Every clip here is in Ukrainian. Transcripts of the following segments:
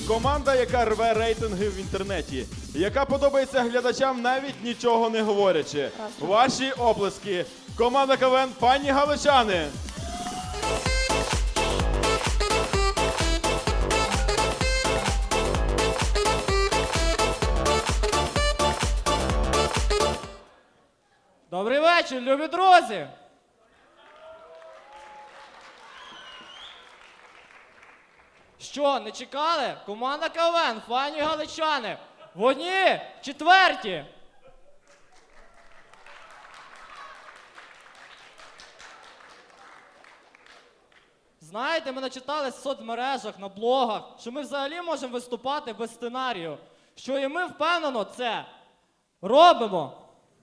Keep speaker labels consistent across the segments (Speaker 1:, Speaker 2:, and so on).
Speaker 1: Команда, яка рве рейтинги в інтернеті, яка подобається глядачам, навіть нічого не говорячи. Ваші оплески. Команда КВН «Файні галичани».
Speaker 2: Добрий вечір, любі друзі! Що, не чекали? Команда КВН «Файні галичани». В одній, четверті. Знаєте, ми начитали в соцмережах, на блогах, що ми взагалі можемо виступати без сценарію. Що і ми впевнено це робимо.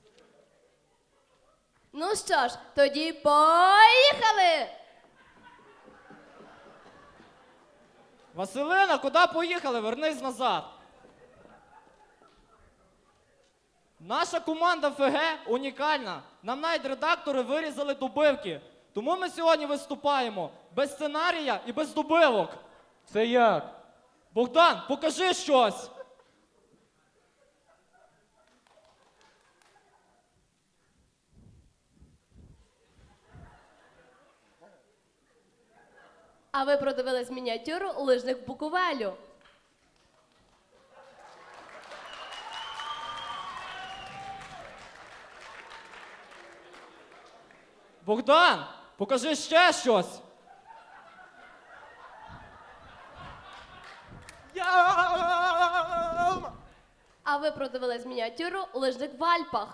Speaker 3: Ну що ж, тоді поїхали!
Speaker 2: Василина, куди поїхали? Вернись назад. Наша команда ФГ унікальна. Нам навіть редактори вирізали добивки. Тому ми сьогодні виступаємо без сценарія і без добивок.
Speaker 4: Це як?
Speaker 2: Богдан, покажи щось.
Speaker 3: А ви продивились мініатюру лижних Буковелю.
Speaker 2: Богдан, покажи ще щось.
Speaker 3: А ви продивились мініатюру лижних в Альпах.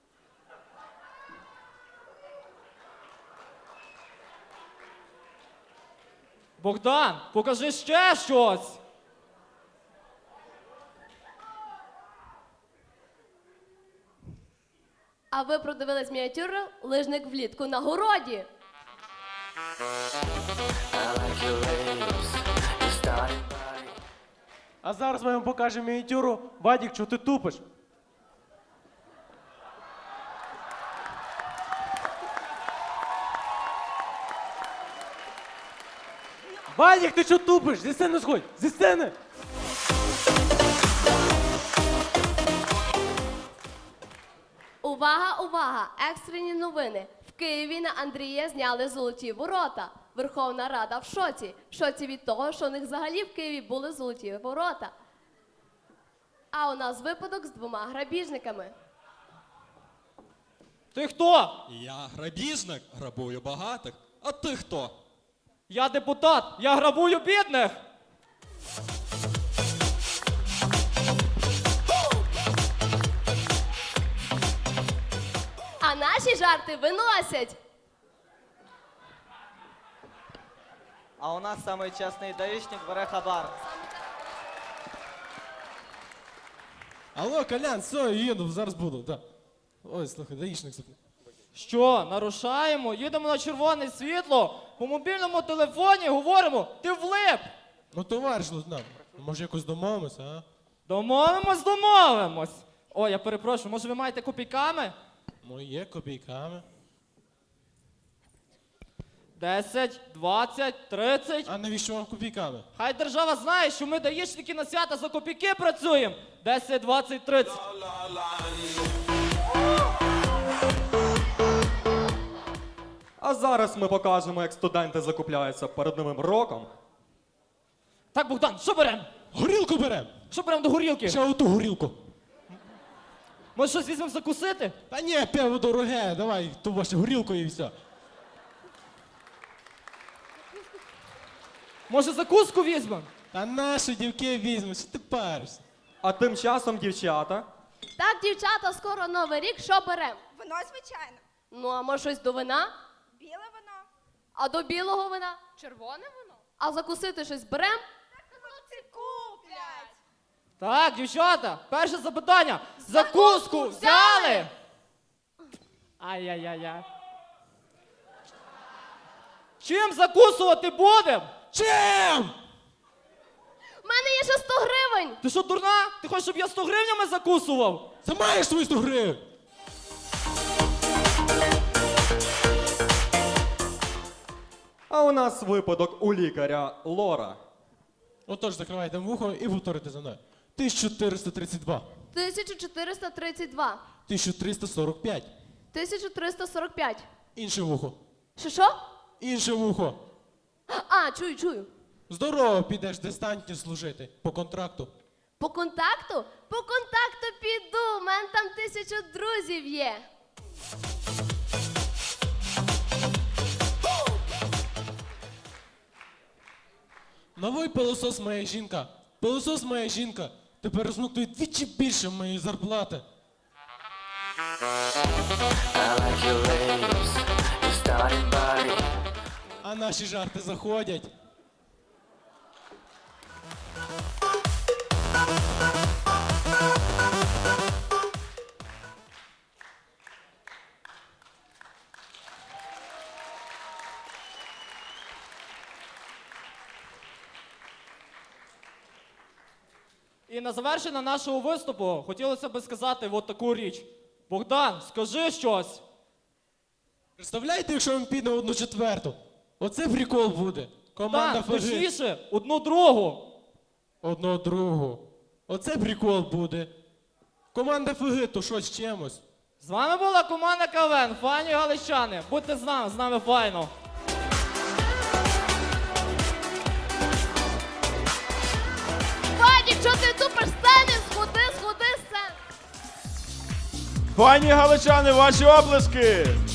Speaker 2: Богдан, покажи ще щось.
Speaker 3: А ви продивились мініатюру лижник влітку на городі.
Speaker 4: А зараз ми вам покажемо мініатюру. Вадік, чого ти тупиш? Вадік, ти чого тупиш? Зі сцени сходь! Зі сцени!
Speaker 3: Увага, увага! Екстрені новини. В Києві на Андрія зняли золоті ворота. Верховна Рада в шоці. В шоці від того, що у них взагалі в Києві були золоті ворота. А у нас випадок з 2 грабіжниками.
Speaker 2: Ти хто?
Speaker 5: Я грабіжник, грабую багатих. А ти хто?
Speaker 2: Я депутат, я грабую бідних.
Speaker 3: А наші жарти виносять.
Speaker 6: А у нас самий чесний даїшник бере хабар.
Speaker 4: Алло, Колян, все, їду, зараз буду, так. Ой, слухай, даїшник запитав.
Speaker 2: Що, нарушаємо? Їдемо на червоне світло, по мобільному телефоні говоримо, ти влип.
Speaker 4: Ну, товариш лейтенант, може якось домовимося, а?
Speaker 2: Домовимось. О, я перепрошую, може ви маєте копійками?
Speaker 4: Моє копійками.
Speaker 2: 10, 20, 30.
Speaker 4: А навіщо вам копійками?
Speaker 2: Хай держава знає, що ми даїшники на свята за копійки працюємо. 10, 20, 30.
Speaker 7: А зараз ми покажемо, як студенти закупляються перед Новим роком.
Speaker 2: Так, Богдан, що беремо?
Speaker 4: Горілку берем!
Speaker 2: Що беремо до горілки?
Speaker 4: Ще оту горілку.
Speaker 2: Може щось візьмемо закусити?
Speaker 4: Та ні, пиво дороге, давай ту вашу горілку і все.
Speaker 2: Може закуску візьмемо?
Speaker 4: Та наші дівки візьмуть, що ти паришся?
Speaker 7: А тим часом, дівчата,
Speaker 3: Так, дівчата, скоро Новий рік, що берем?
Speaker 8: Вино, звичайно.
Speaker 3: Ну, а може щось до вина?
Speaker 8: Біле вино.
Speaker 3: А до білого вина?
Speaker 8: Червоне вино.
Speaker 3: А закусити щось берем?
Speaker 8: Хлопці куплять.
Speaker 2: Так, дівчата, перше запитання. Закуску взяли? Ай-яй-яй-яй. Чим закусувати будемо?
Speaker 4: Чим?
Speaker 3: У мене є ще 100 гривень!
Speaker 2: Ти що, дурна? Ти хочеш, щоб я 100 гривнями закусував?
Speaker 4: Це маєш свої 100 гривень?
Speaker 7: а у нас випадок у лікаря Лора.
Speaker 4: Отож, закривайте вухо і повторите за мною. 1432.
Speaker 3: 1432.
Speaker 4: 1345.
Speaker 3: 1345.
Speaker 4: Інше вухо.
Speaker 3: Що?
Speaker 4: Інше вухо.
Speaker 3: А, чую.
Speaker 4: Здорово, підеш дистантні служити. По контракту.
Speaker 3: По контакту? По контакту піду. У мене там 1000 друзів є.
Speaker 4: Новий пилосос моя жінка. Пилосос моя жінка. Тепер розмоктує двічі більше моєї зарплати.
Speaker 9: I like your lips, your starting body.
Speaker 4: А наші жарти заходять.
Speaker 2: І на завершення нашого виступу хотілося б сказати от таку річ. Богдан, скажи щось.
Speaker 4: Представляєте, якщо він піде 1/4? Оце прикол буде. Команда
Speaker 2: Так,
Speaker 4: ФГ.
Speaker 2: точніше, 1/2.
Speaker 4: 1/2. Оце прикол буде. Команда ФГ, то що з чимось?
Speaker 2: З вами була команда КВН, файні галичани. Будьте з нами файно.
Speaker 3: Вадік, що ти тупиш сцени? Сходи з сцени.
Speaker 1: Пані галичани, ваші оплески!